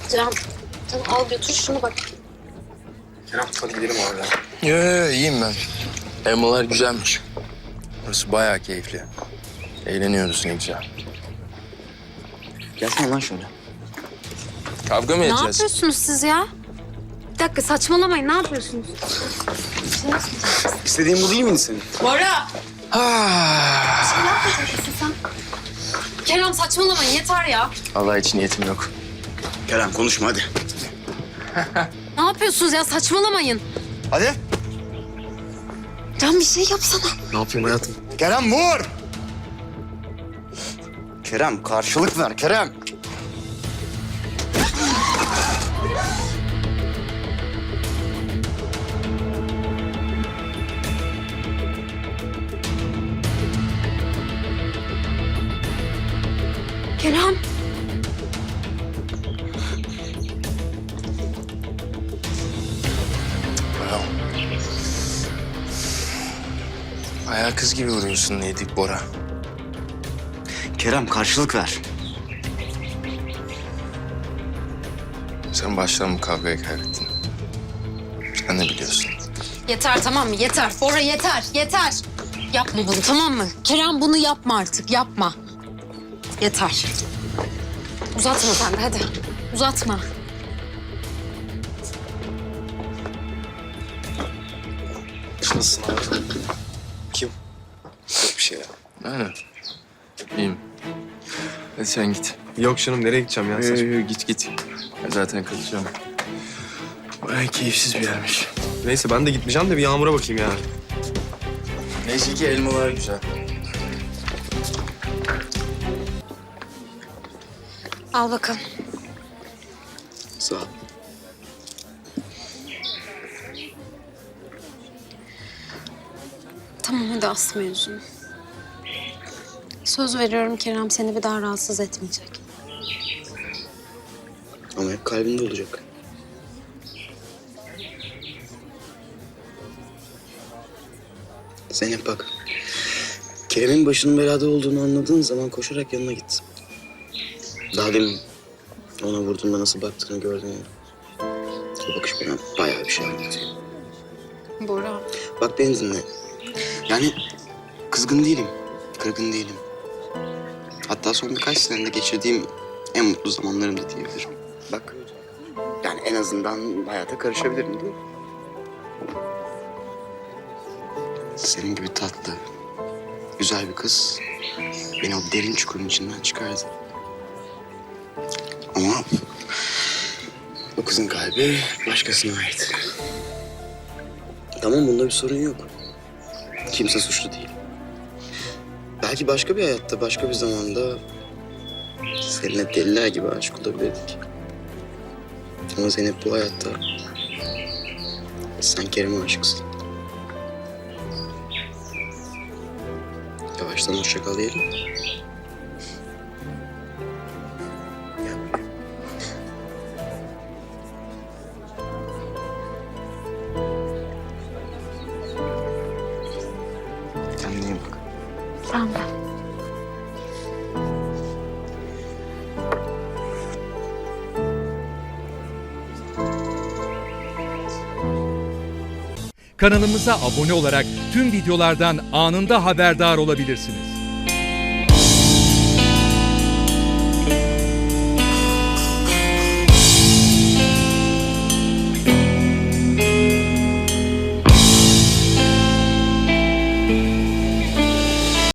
Can al götür şunu bak. Kerem hadi gidelim abi. Yo, iyiyim ben. Elmalar güzelmiş. Burası bayağı keyifli. Eğleniyoruz ne güzel. Gelsene lan şöyle. Kavga mı Ne edeceğiz? yapıyorsunuz siz ya? Bir dakika saçmalamayın, ne yapıyorsunuz? İstediğin bu değil miydi senin? Bora! Ah, Ne yapacaksın sen? Kerem saçmalamayın, yeter ya. Allah için niyetim yok. Kerem konuşma hadi. Ne yapıyorsunuz ya, saçmalamayın. Hadi. Can bir şey yapsana. Ne yapayım hayatım? Kerem vur! Kerem karşılık ver Kerem. Kerem. Wow. Bayağı kız gibi vuruyorsun Nedik Bora. Kerem karşılık ver. Sen baştan bu kavgayı kaybettin. Sen de biliyorsun. Yeter tamam mı? Yeter. Bora yeter, yeter. Yapma bunu tamam mı? Kerem bunu yapma artık, yapma. Yeter. Uzatma sen de hadi. Uzatma. Nasılsın abi? Kim? Yok bir şey ya. Aynen. İyiyim. Hadi sen git. Yok canım nereye gideceğim ya? Saçma. Git. Ben zaten kalacağım. Bayağı keyifsiz bir yermiş. Neyse ben de gitmeyeceğim de bir Yağmur'a bakayım ya. Neyse ki elmalar güzel. Al bakalım. Sağ ol. Tamam hadi asma yüzünü. Söz veriyorum Kerem seni bir daha rahatsız etmeyecek. Ama hep kalbinde olacak. Zeynep bak. Kerem'in başının belada olduğunu anladığın zaman koşarak yanına git. Daha demin ona vurduğunda nasıl baktığını gördün ya. O bakış bana bayağı bir şey anlatıyor. Bora. Bak beni dinle. Yani kızgın değilim, kırgın değilim. Hatta son birkaç senede geçirdiğim en mutlu zamanlarımdı diyebilirim. Bak, yani en azından hayata karışabilirim değil mi? Senin gibi tatlı, güzel bir kız beni o derin çukurun içinden çıkardı. Ama o kızın kalbi başkasına ait. Tamam bunda bir sorun yok. Kimse suçlu değil. Belki başka bir hayatta, başka bir zamanda seninle deliler gibi aşık olabilirdik. Ama Zeynep bu hayatta sen Kerem'e aşıksın. Yavaştan hoşça kal diyelim. Kendine iyi bak. Sen de. Kanalımıza abone olarak tüm videolardan anında haberdar olabilirsiniz.